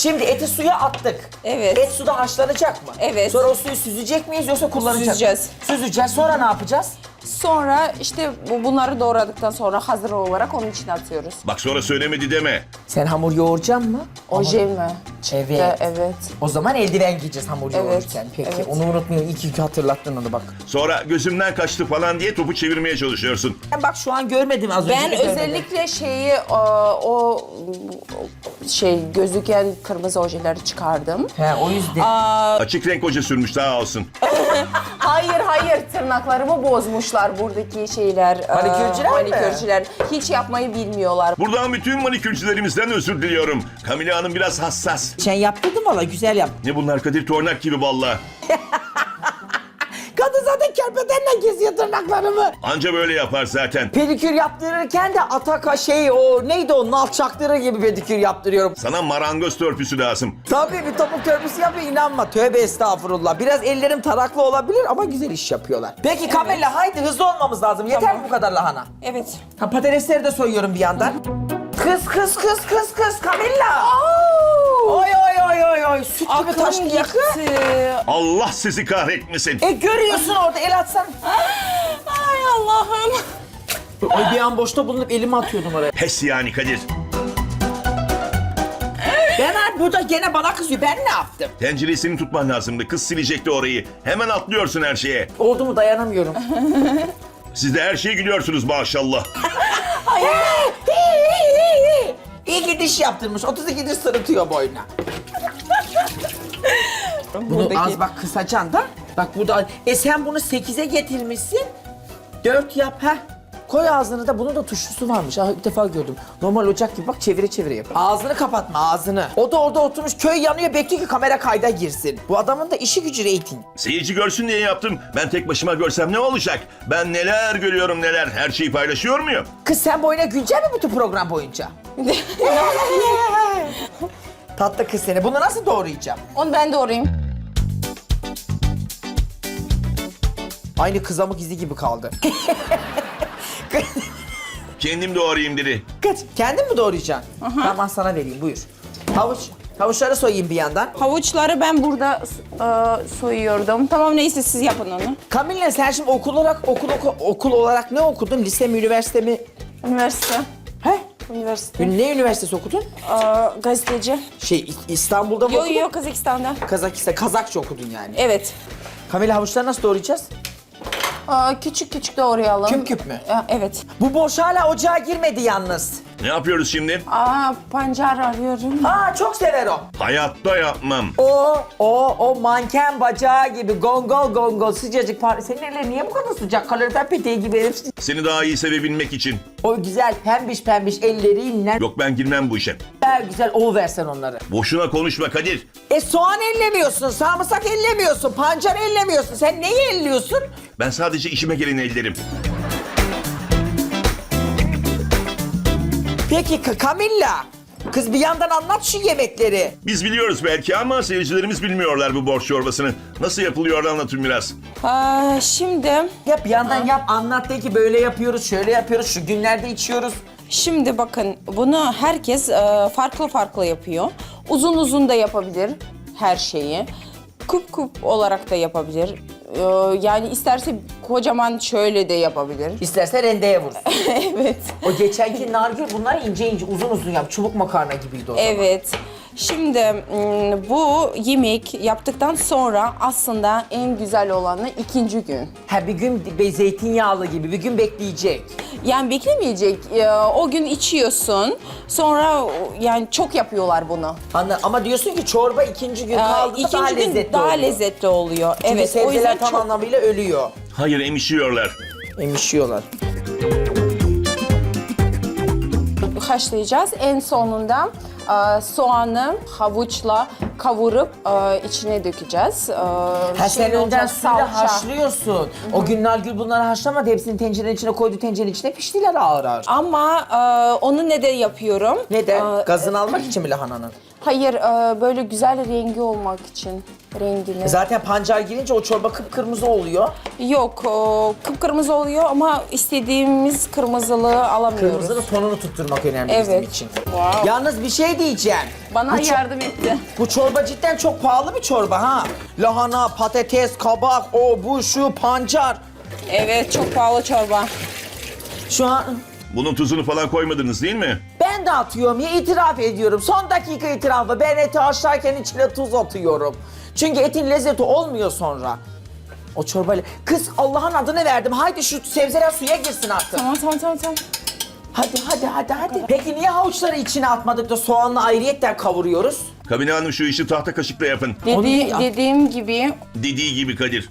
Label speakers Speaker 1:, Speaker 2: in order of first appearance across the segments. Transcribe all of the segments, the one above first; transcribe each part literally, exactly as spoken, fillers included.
Speaker 1: Şimdi eti suya attık.
Speaker 2: Evet.
Speaker 1: Et suda haşlanacak mı?
Speaker 2: Evet.
Speaker 1: Sonra o suyu süzecek miyiz yoksa kullanacak
Speaker 2: Süzeceğiz.
Speaker 1: Süzeceğiz. Sonra ne yapacağız?
Speaker 2: Sonra işte bu- bunları doğradıktan sonra hazır olarak onun içine atıyoruz.
Speaker 3: Bak sonra söylemedi deme.
Speaker 1: Sen hamur yoğuracaksın mı?
Speaker 2: Oje mi?
Speaker 1: Evet.
Speaker 2: De, evet.
Speaker 1: O zaman eldiven giyeceğiz hamur
Speaker 2: Evet,
Speaker 1: yoğururken. Peki
Speaker 2: evet.
Speaker 1: onu unutmayın. İyi ki hatırlattın onu bak.
Speaker 3: Sonra gözümden kaçtı falan diye topu çevirmeye çalışıyorsun.
Speaker 1: Ben bak şu an görmedim az önce.
Speaker 2: Ben
Speaker 1: de görmedim.
Speaker 2: özellikle şeyi o, o şey gözüken kırmızı ojeleri çıkardım.
Speaker 1: He o yüzden.
Speaker 3: Açık renk hoca sürmüş daha olsun.
Speaker 2: Hayır hayır tırnaklarımı bozmuşlar buradaki şeyler. e,
Speaker 1: Manikürcüler mi?
Speaker 2: Manikürcüler. Hiç yapmayı bilmiyorlar.
Speaker 3: Buradan bütün manikürcülerimizden özür diliyorum. Kamile Hanım biraz hassas.
Speaker 1: Sen yaptırdın valla güzel yap.
Speaker 3: Ne bunlar Kadir, tornak gibi valla.
Speaker 1: Kadın zaten kerpetenle kesiyor tırnaklarımı.
Speaker 3: Anca böyle yapar zaten.
Speaker 1: Pedikür yaptırırken de ataka şey o neydi o nal çaktırır gibi pedikür yaptırıyorum.
Speaker 3: Sana marangoz törpüsü lazım.
Speaker 1: Tabii bir topuk törpüsü yapıyor inanma. Tövbe estağfurullah. Biraz ellerim taraklı olabilir ama güzel iş yapıyorlar. Peki Kamilla haydi hızlı olmamız lazım. Yeter
Speaker 2: Tamam.
Speaker 1: mi bu kadar lahana?
Speaker 2: Evet.
Speaker 1: Ha, patatesleri de soyuyorum bir yandan. Kız kız kız kız kız Kamilla. Oy oy oy oy oy. Süt gibi taş
Speaker 2: Aklım
Speaker 1: yakı.
Speaker 2: gitti.
Speaker 3: Allah sizi kahretmesin.
Speaker 1: E görüyorsun orada el atsan.
Speaker 2: Ay Allah'ım.
Speaker 1: Ay bir an boşta bulunup elimi atıyordum oraya.
Speaker 3: Pes yani Kadir.
Speaker 1: Ben abi burada gene bana kızıyor. Ben ne yaptım?
Speaker 3: Tencereyi senin tutman lazımdı. Kız silecekti orayı. Hemen atlıyorsun her şeye.
Speaker 1: Oldu mu dayanamıyorum.
Speaker 3: Siz de her şeye gülüyorsunuz maşallah.
Speaker 1: İyi ki diş yaptırmış. otuz iki diş sırıtıyor boyuna. Bunu
Speaker 2: Buradaki-
Speaker 1: az bak kısacan da. Bak bu da... E sen bunu sekize getirmişsin. Dört yap ha. Koy ağzını da bunun da tuşlusu varmış. Ah ilk defa gördüm. Normal ocak gibi bak çevire çevire yap. Ağzını kapatma ağzını. O da orada oturmuş köy yanıyor bekliyor ki kamera kayda girsin. Bu adamın da işi gücü reyting.
Speaker 3: Seyirci görsün diye yaptım. Ben tek başıma görsem ne olacak? Ben neler görüyorum neler. Her şeyi paylaşıyor muyum?
Speaker 1: Kız sen boyuna gülecek mi bütün program boyunca? Tatlı kız seni. Bunu nasıl doğrayacağım?
Speaker 2: Onu ben doğrayayım.
Speaker 1: Aynı kızamık izi gibi kaldı.
Speaker 3: Kendim doğrayayım dedi.
Speaker 1: Kaç. Kendin mi doğrayacaksın? Tamam sana vereyim buyur. Havuç. Havuçları soyayım bir yandan.
Speaker 2: Havuçları ben burada e, soyuyordum. Tamam neyse siz yapın onu.
Speaker 1: Kamille sen şimdi okul olarak okul, okul, okul olarak ne okudun? Lise mi, üniversite mi?
Speaker 2: Üniversite.
Speaker 1: He?
Speaker 2: Üniversite.
Speaker 1: Ne üniversitesi okudun?
Speaker 2: Aa, gazeteci.
Speaker 1: Şey İ- İstanbul'da mı
Speaker 2: Yok
Speaker 1: okudun?
Speaker 2: yok Kazakistan'da.
Speaker 1: Kazakistan, Kazakça okudun yani.
Speaker 2: Evet.
Speaker 1: Kamille havuçları nasıl doğrayacağız?
Speaker 2: Aa, küçük küçük doğrayalım.
Speaker 1: Küp küp mü?
Speaker 2: Aa, evet.
Speaker 1: Bu boş hala ocağa girmedi yalnız.
Speaker 3: Ne yapıyoruz şimdi?
Speaker 2: Aa, pancar arıyorum.
Speaker 1: Aa çok sever o.
Speaker 3: Hayatta yapmam.
Speaker 1: O, o, o manken bacağı gibi gongol gongol sıcacık. Par- Senin ellerin niye bu kadar sıcak? Kalorifer peteği gibi herif.
Speaker 3: Seni daha iyi sevebilmek için.
Speaker 1: O güzel pembiş pembiş elleriyle
Speaker 3: Yok ben girmem bu işe.
Speaker 1: güzel güzel ol versen onları.
Speaker 3: Boşuna konuşma Kadir.
Speaker 1: E soğan ellemiyorsun, sarımsak ellemiyorsun, pancar ellemiyorsun. Sen neyi elliyorsun?
Speaker 3: Ben sadece işime geleni ellerim.
Speaker 1: Peki K- Kamilla, kız bir yandan anlat şu yemekleri.
Speaker 3: Biz biliyoruz belki ama seyircilerimiz bilmiyorlar bu borç çorbasını. Nasıl yapılıyor anlatın biraz.
Speaker 2: Aa, şimdi
Speaker 1: Yap bir yandan yap, anlat de ki böyle yapıyoruz, şöyle yapıyoruz, şu günlerde içiyoruz.
Speaker 2: Şimdi bakın bunu herkes e, farklı farklı yapıyor. Uzun uzun da yapabilir her şeyi. Küp küp olarak da yapabilir. E, yani isterse kocaman şöyle de yapabilir.
Speaker 1: İsterse rendeye vur.
Speaker 2: Evet.
Speaker 1: O geçenki nargül bunlar ince ince uzun uzun yap. Çubuk makarna gibiydi o zaman.
Speaker 2: Evet. Şimdi mm, bu yemek yaptıktan sonra aslında en güzel olanı ikinci gün.
Speaker 1: Ha bir gün be- zeytinyağlı gibi bir gün bekleyecek.
Speaker 2: Yani beklemeyecek. E, o gün içiyorsun. Sonra yani çok yapıyorlar bunu.
Speaker 1: Anla, ama diyorsun ki çorba ikinci gün
Speaker 2: Ee,
Speaker 1: kaldığında
Speaker 2: ikinci
Speaker 1: daha
Speaker 2: gün
Speaker 1: lezzetli
Speaker 2: daha
Speaker 1: oluyor.
Speaker 2: lezzetli oluyor.
Speaker 1: Çünkü
Speaker 2: Evet. O
Speaker 1: sebzeler
Speaker 2: yüzden
Speaker 1: tam
Speaker 2: çok
Speaker 1: anlamıyla ölüyor.
Speaker 3: Hayır emişiyorlar.
Speaker 1: Emişiyorlar.
Speaker 2: haşlayacağız. En sonunda e, soğanı havuçla kavurup e, içine dökeceğiz. E,
Speaker 1: Ha
Speaker 2: şey
Speaker 1: sen önden
Speaker 2: olacak,
Speaker 1: suyla
Speaker 2: salça.
Speaker 1: haşlıyorsun. O gün Nargül bunları haşlamadı. Hepsini tencerenin içine koydu. Tencerenin içine piştiler ağır ağır.
Speaker 2: Ama e, onu neden yapıyorum?
Speaker 1: Neden?
Speaker 2: E,
Speaker 1: Gazını almak için mi lahananın?
Speaker 2: Hayır, e, böyle güzel rengi olmak için. Rengini.
Speaker 1: Zaten pancar girince o çorba kıpkırmızı oluyor.
Speaker 2: Yok, o kıpkırmızı oluyor ama istediğimiz kırmızılığı alamıyoruz.
Speaker 1: Kırmızının tonunu tutturmak önemli bizim
Speaker 2: Evet.
Speaker 1: için.
Speaker 2: Wow.
Speaker 1: Yalnız bir şey diyeceğim.
Speaker 2: Bana
Speaker 1: Bu ço-
Speaker 2: yardım etti.
Speaker 1: Bu çorba cidden çok pahalı bir çorba ha. Lahana, patates, kabak, o bu şu pancar.
Speaker 2: Evet, çok pahalı çorba.
Speaker 1: Şu an
Speaker 3: Bunun tuzunu falan koymadınız değil mi?
Speaker 1: ben de atıyorum ya, itiraf ediyorum. Son dakika itirafı. Ben eti haşlarken içine tuz atıyorum. Çünkü etin lezzeti olmuyor sonra. O çorbayla... Kız Allah'ın adını verdim. Haydi şu sebzeler suya girsin artık.
Speaker 2: Tamam, tamam, tamam, tamam.
Speaker 1: Hadi hadi hadi hadi. Peki niye havuçları içine atmadık da soğanla ayrıyetten kavuruyoruz?
Speaker 3: Kabine Hanım şu işi tahta kaşıkla yapın.
Speaker 1: Onu
Speaker 2: Dedi,
Speaker 1: ya-
Speaker 2: dediğim gibi
Speaker 3: Dediği gibi Kadir.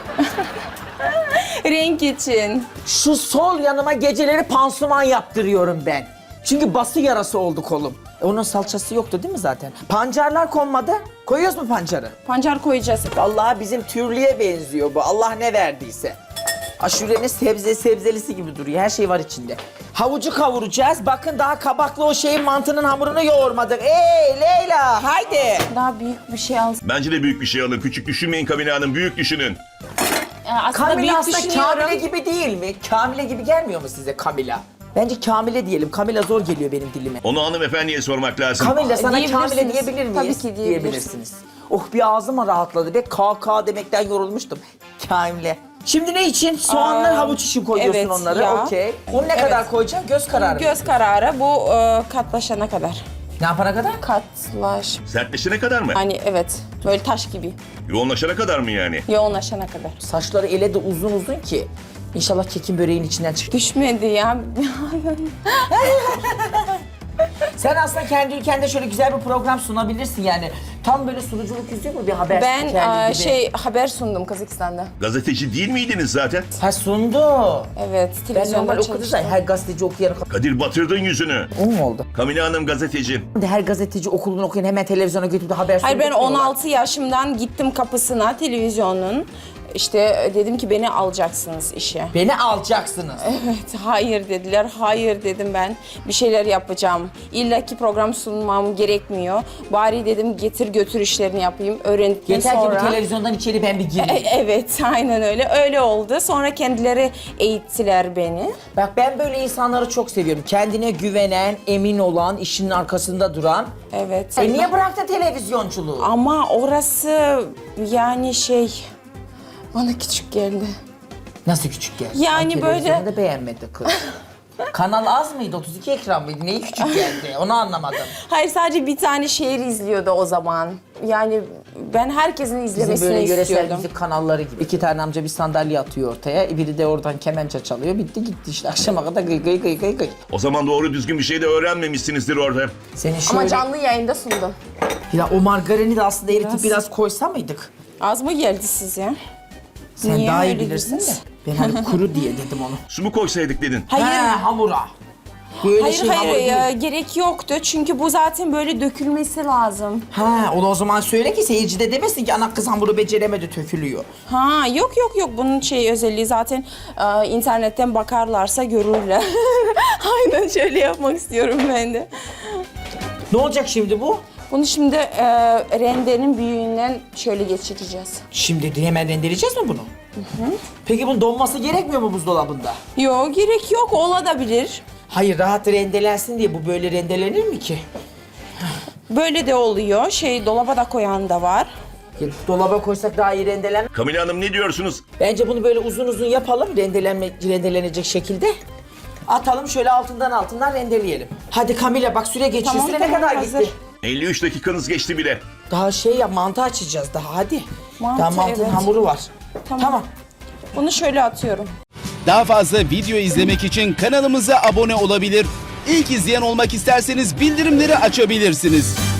Speaker 2: renk için.
Speaker 1: Şu sol yanıma geceleri pansuman yaptırıyorum ben. Çünkü bası yarası oldu kolum. E onun salçası yoktu değil mi zaten? Pancarlar konmadı. Koyuyoruz mu pancarı?
Speaker 2: Pancar koyacağız.
Speaker 1: Vallahi bizim türlüye benziyor bu. Allah ne verdiyse. Aşurenin sebze sebzelisi gibi duruyor. Her şey var içinde. Havucu kavuracağız. Bakın daha kabaklı o şeyin mantının hamurunu yoğurmadık. Ey Leyla haydi.
Speaker 2: Daha büyük bir şey alsın.
Speaker 3: Bence de büyük bir şey alın. Küçük düşünmeyin Kabine Hanım. Büyük düşünün.
Speaker 2: Ee, aslında
Speaker 1: Kamila
Speaker 2: büyük
Speaker 1: aslında
Speaker 2: düşünüyorum.
Speaker 1: Kamile gibi değil mi? Kamile gibi gelmiyor mu size Kamila? Bence Kamile diyelim. Kamila zor geliyor benim dilime.
Speaker 3: Onu hanımefendiye sormak lazım.
Speaker 1: Kamila sana
Speaker 2: Diyebilirsiniz.
Speaker 1: Kamile diyebilir miyiz?
Speaker 2: Tabii ki diyebilirsiniz.
Speaker 1: Oh bir ağzım rahatladı be. K K demekten yorulmuştum. Kamile. Şimdi ne için? Soğanlar,
Speaker 2: Aa,
Speaker 1: havuç için koyuyorsun
Speaker 2: evet,
Speaker 1: onları.
Speaker 2: ya.
Speaker 1: Okey. Onu ne
Speaker 2: Evet.
Speaker 1: kadar koyacaksın? Göz kararı.
Speaker 2: Göz kararı bu e, katlaşana kadar.
Speaker 1: Ne yapana kadar?
Speaker 2: Katlaş.
Speaker 3: Sertleşene kadar mı?
Speaker 2: Hani evet, böyle taş gibi.
Speaker 3: Yoğunlaşana kadar mı yani?
Speaker 2: Yoğunlaşana kadar.
Speaker 1: Saçları ele de uzun uzun ki. İnşallah kekin böreğin içinden çıkar.
Speaker 2: Düşmedi ya.
Speaker 1: Sen aslında kendi ülkende şöyle güzel bir program sunabilirsin yani. Tam böyle sunuculuk yüzüyor mu bir haber
Speaker 2: Ben
Speaker 1: spikeri
Speaker 2: e,
Speaker 1: gibi?
Speaker 2: şey haber sundum Kazakistan'da.
Speaker 3: Gazeteci değil miydiniz zaten?
Speaker 1: Ha sundu.
Speaker 2: Evet,
Speaker 1: Ben
Speaker 2: televizyonda
Speaker 1: normal okudu
Speaker 2: çalıştım.
Speaker 1: da her gazeteci okuyan...
Speaker 3: Kadir batırdın yüzünü.
Speaker 1: O mu oldu?
Speaker 3: Kabine Hanım gazeteci.
Speaker 1: Her gazeteci okulunu okuyan hemen televizyona götürüp de haber
Speaker 2: Hayır, ben
Speaker 1: sunduruyorlar.
Speaker 2: on altı yaşımdan gittim kapısına televizyonun. İşte dedim ki beni alacaksınız işe.
Speaker 1: Beni alacaksınız.
Speaker 2: Evet, hayır dediler. Hayır dedim ben. Bir şeyler yapacağım. İlla ki program sunmam gerekmiyor. Bari dedim getir götür işlerini yapayım. Öğrendikten
Speaker 1: Yeter
Speaker 2: sonra...
Speaker 1: ki bu televizyondan içeri ben bir gireyim.
Speaker 2: E- Evet, aynen öyle. Öyle oldu. Sonra kendileri eğittiler beni.
Speaker 1: Bak ben böyle insanları çok seviyorum. Kendine güvenen, emin olan, işinin arkasında duran.
Speaker 2: Evet.
Speaker 1: E niye bıraktı televizyonculuğu?
Speaker 2: Ama orası yani şey... Bana küçük geldi.
Speaker 1: Nasıl küçük geldi?
Speaker 2: Yani
Speaker 1: Ay,
Speaker 2: böyle-
Speaker 1: televizyonu da beğenmedi kız. Kanal az mıydı? otuz iki ekran mıydı? Neyi küçük geldi? Onu anlamadım.
Speaker 2: Hayır, sadece bir tane şehir izliyordu o zaman. Yani ben herkesin
Speaker 1: Bizim
Speaker 2: izlemesini
Speaker 1: böyle yöresel
Speaker 2: istiyordum.
Speaker 1: müzik kanalları gibi. İki tane amca bir sandalye atıyor ortaya. Biri de oradan kemençe çalıyor. Bitti gitti işte. Akşama kadar gıy gıy gıy gıy gıy.
Speaker 3: O zaman doğru düzgün bir şey de öğrenmemişsinizdir orada.
Speaker 1: Senin şöyle...
Speaker 2: Ama canlı yayında sundum.
Speaker 1: Ya o margarini de aslında eritip
Speaker 2: Biraz-
Speaker 1: biraz, koysa mıydık?
Speaker 2: Az mı geldi size?
Speaker 1: Sen
Speaker 2: Niye
Speaker 1: daha iyi
Speaker 2: öyle
Speaker 1: bilirsin de.
Speaker 2: dediniz?
Speaker 1: Ben hani kuru diye dedim onu.
Speaker 3: Su mu koysaydık dedin?
Speaker 2: Hayır.
Speaker 1: He, hamura. Böyle
Speaker 2: Hayır
Speaker 1: şey
Speaker 2: hayır
Speaker 1: hamur değil.
Speaker 2: e, gerek yoktu çünkü bu zaten böyle dökülmesi lazım.
Speaker 1: Ha, onu o zaman söyle ki seyirci de demesin ki ana kız hamuru beceremedi tökülüyor.
Speaker 2: Ha yok yok yok bunun şey özelliği zaten e, internetten bakarlarsa görürler. Aynen şöyle yapmak istiyorum ben de.
Speaker 1: Ne olacak şimdi bu?
Speaker 2: Bunu şimdi e, rendenin büyüğünden şöyle geçireceğiz.
Speaker 1: Şimdi hemen rendeleyeceğiz mi bunu? Peki bunun donması gerekmiyor mu buzdolabında?
Speaker 2: Yok gerek yok olabilir.
Speaker 1: Hayır rahat rendelensin diye bu böyle rendelenir mi ki?
Speaker 2: Böyle de oluyor. Şey dolaba da koyan da var.
Speaker 1: Ya, dolaba koysak daha iyi rendelen.
Speaker 3: Kabine Hanım ne diyorsunuz?
Speaker 1: Bence bunu böyle uzun uzun yapalım rendelenme, rendelenecek şekilde. Atalım şöyle altından altından rendeleyelim. Hadi Kamila bak süre geçiyor.
Speaker 2: Tamam,
Speaker 1: süre
Speaker 2: tamam,
Speaker 1: ne kadar
Speaker 2: hazır.
Speaker 1: gitti?
Speaker 3: elli üç dakikanız geçti bile.
Speaker 1: Daha şey ya mantı açacağız daha hadi.
Speaker 2: Mantı,
Speaker 1: daha mantının
Speaker 2: evet.
Speaker 1: hamuru var.
Speaker 2: Tamam.
Speaker 1: Tamam.
Speaker 2: Bunu şöyle atıyorum.
Speaker 4: Daha fazla video izlemek için kanalımıza abone olabilir. İlk izleyen olmak isterseniz bildirimleri açabilirsiniz.